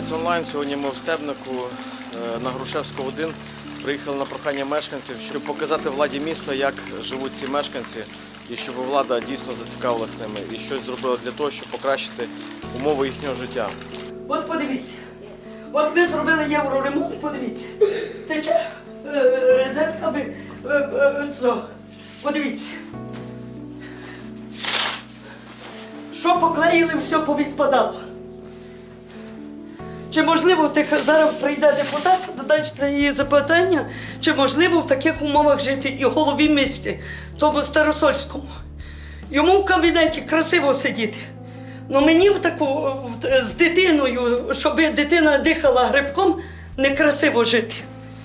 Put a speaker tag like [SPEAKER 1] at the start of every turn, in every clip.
[SPEAKER 1] Трансляція онлайн. Сьогодні ми в Стебнику на Грушевського 1 приїхали на прохання мешканців, щоб показати владі міста, як живуть ці мешканці, і щоб влада дійсно зацікавилася ними і щось зробила для того, щоб покращити умови їхнього життя.
[SPEAKER 2] От подивіться, от ми зробили євроремонт, подивіться, тече розетками, подивіться. Що поклеїли, все повідпадало. Чи можливо, зараз прийде депутат, дасть її запитання, чи можливо в таких умовах жити і голові міста, тому Старосольському. Йому в кабінеті красиво сидіти. Ну мені з дитиною, щоб дитина дихала грибком, некрасиво жити.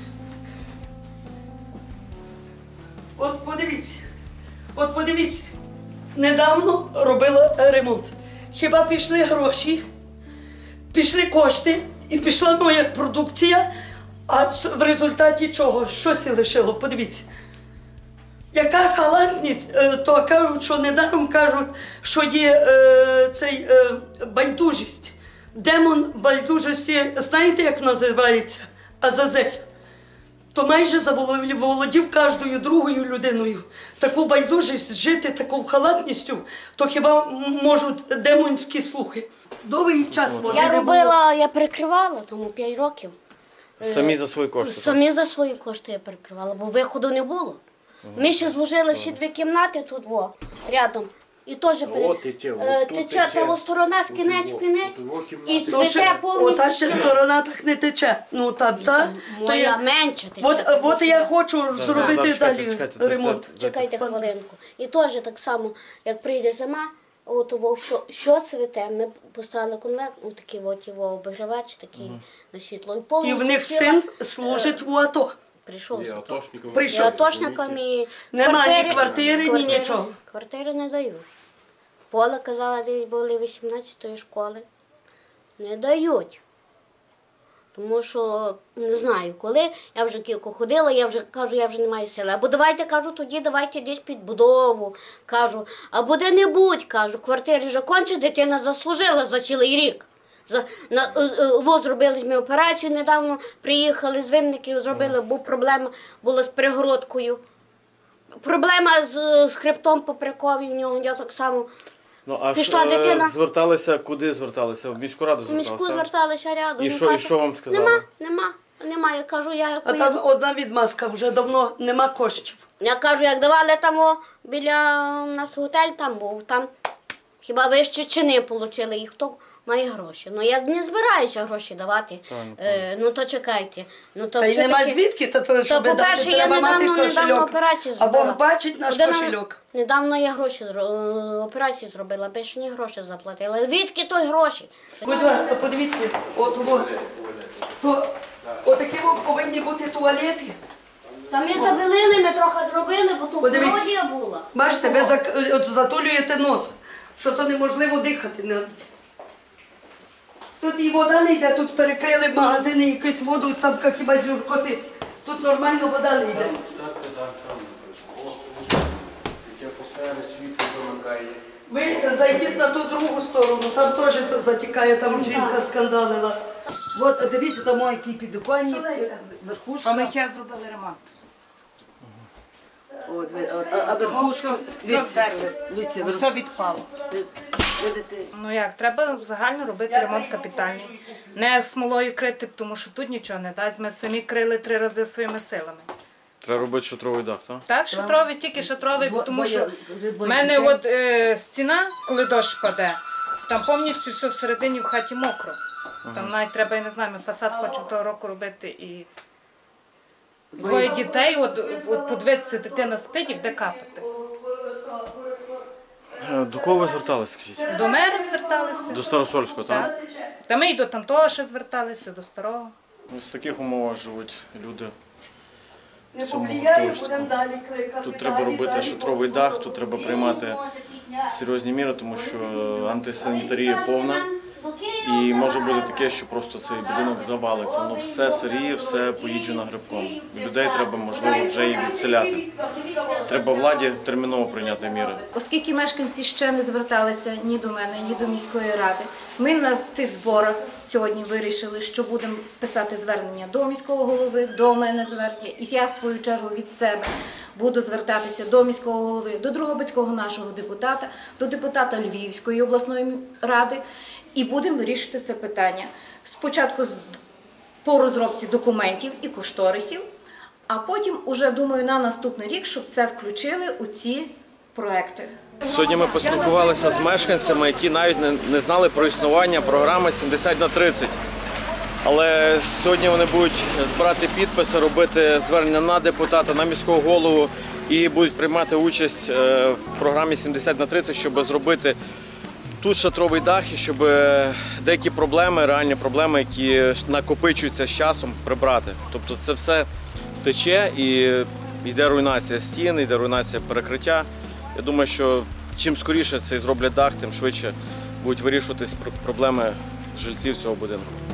[SPEAKER 2] От подивіться, недавно робила ремонт. Хіба пішли гроші, пішли кошти і пішла моя продукція, а в результаті чого? Щось і лишило, подивіться. Яка халатність, то кажуть, що недаром кажуть, що є байдужість. Демон байдужості, знаєте, як називається? Азазель. То майже заволодів кожною другою людиною. Таку байдужість, жити таку халатністю, то хіба можуть демонські слухи. Довгий час води не було.
[SPEAKER 3] Я перекривала, тому 5 років.
[SPEAKER 1] Самі за свої кошти?
[SPEAKER 3] Самі за свої кошти я перекривала, бо виходу не було. Ми ще зложили всі 2 кімнати тут, рядом. І теж тече та сторона з кінець в кінець, і цвіте повністю.
[SPEAKER 2] Ота ще сторона так не тече. Ну там, так?
[SPEAKER 3] Моя менше тече.
[SPEAKER 2] От я хочу зробити далі ремонт.
[SPEAKER 3] Чекайте хвилинку. І теж так само, як прийде зима, що цвіте, ми поставили конверт, такий обігрівач, такий на світло.
[SPEAKER 2] І в них син служить у АТО.
[SPEAKER 3] Прийшов.
[SPEAKER 2] Прийшов.
[SPEAKER 3] Атошникам і
[SPEAKER 2] нема ні квартири, ні нічого.
[SPEAKER 3] Квартири не дають. Поле, казала, десь були 18-ї школи. Не дають. Тому що, не знаю, коли, я вже кілько ходила, я вже не маю сили. Або давайте, кажу, тоді давайте десь під будову, кажу. Або де-небудь, кажу, квартири вже конче, дитина заслужила за цілий рік. Зробили ми операцію недавно, приїхали з Винників, зробили, бо проблема була з перегородкою. Проблема з хребтом поперековим в нього, я так само.
[SPEAKER 1] Ну, а
[SPEAKER 3] пішла дитина.
[SPEAKER 1] Зверталися, куди зверталися? В міську раду зверталися?
[SPEAKER 3] В міську зверталися рядом.
[SPEAKER 1] І що вам сказали?
[SPEAKER 3] Нема, я кажу,
[SPEAKER 2] А там одна відмазка, вже давно нема коштів.
[SPEAKER 3] Я кажу, як давали там біля нас готель там був, там хіба ви ще чини отримали, і хто має гроші. Ну я не збираюся гроші давати, ну то чекайте.
[SPEAKER 2] Та й нема звідки, то щоб дати, треба мати кошельок. А Бог бачить наш кошельок.
[SPEAKER 3] Недавно я операцію зробила, більше ні гроші заплатила. Звідки той гроші?
[SPEAKER 2] Будь ласка, подивіться, отакі повинні бути туалети.
[SPEAKER 3] Та ми забелили, ми трохи зробили, бо тут колодія була.
[SPEAKER 2] Бачите, ви затулюєте нос, що то неможливо дихати навіть. Тут і вода не йде, тут перекрили магазини, якусь воду, там хіба журкоти. Тут нормально вода не йде. Ви зайдіть на ту другу сторону, там теж затікає, там жінка скандалила. От, дивіться, там який підоконник, верхушка.
[SPEAKER 4] А ми ще зробили ремонт.
[SPEAKER 2] А верхушка,
[SPEAKER 4] Дивіться, все відпало. Ну як, треба загально робити ремонт капітальний. Не смолою крити, тому що тут нічого не дасть. Ми самі крили 3 рази своїми силами.
[SPEAKER 1] Треба робити шатровий дах, так?
[SPEAKER 4] Так, шатровий, тільки шатровий, тому що в мене стіна, коли дощ паде, там повністю все всередині в хаті мокро. Там навіть треба, я не знаю, ми фасад хочемо того року робити і 2 дітей, от подивитися, дитина спить і буде капати.
[SPEAKER 1] До кого ви зверталися, скажіть?
[SPEAKER 4] До мера зверталися.
[SPEAKER 1] До Старосольського, так?
[SPEAKER 4] Та ми і до тамтого ще зверталися, до старого.
[SPEAKER 1] Ось в таких умовах живуть люди.
[SPEAKER 2] не повлияє, будемо далі кликати.
[SPEAKER 1] Тут треба робити шатровий дах, тут треба приймати серйозні міри, тому що антисанітарія повна. І може бути таке, що просто цей будинок завалиться. Ну все сиріє, все поїджено грибком. Людей треба, можливо, вже і відселяти. Треба владі терміново прийняти міри.
[SPEAKER 5] Оскільки мешканці ще не зверталися ні до мене, ні до міської ради, ми на цих зборах сьогодні вирішили, що будемо писати звернення до міського голови, до мене звернення, і я в свою чергу від себе буду звертатися до міського голови, до Дрогобицького нашого депутата, до депутата Львівської обласної ради, і будемо вирішити це питання. Спочатку по розробці документів і кошторисів, а потім, уже думаю, на наступний рік, щоб це включили у ці проекти.
[SPEAKER 1] Сьогодні ми поспілкувалися з мешканцями, які навіть не знали про існування програми 70/30. Але сьогодні вони будуть збирати підписи, робити звернення на депутата, на міського голову і будуть приймати участь в програмі 70/30, щоб зробити тут шатровий дах і щоб деякі проблеми, реальні проблеми, які накопичуються з часом, прибрати. Тобто це все тече і йде руйнація стін, йде руйнація перекриття. Я думаю, що чим скоріше це зроблять дах, тим швидше будуть вирішуватись проблеми жильців цього будинку.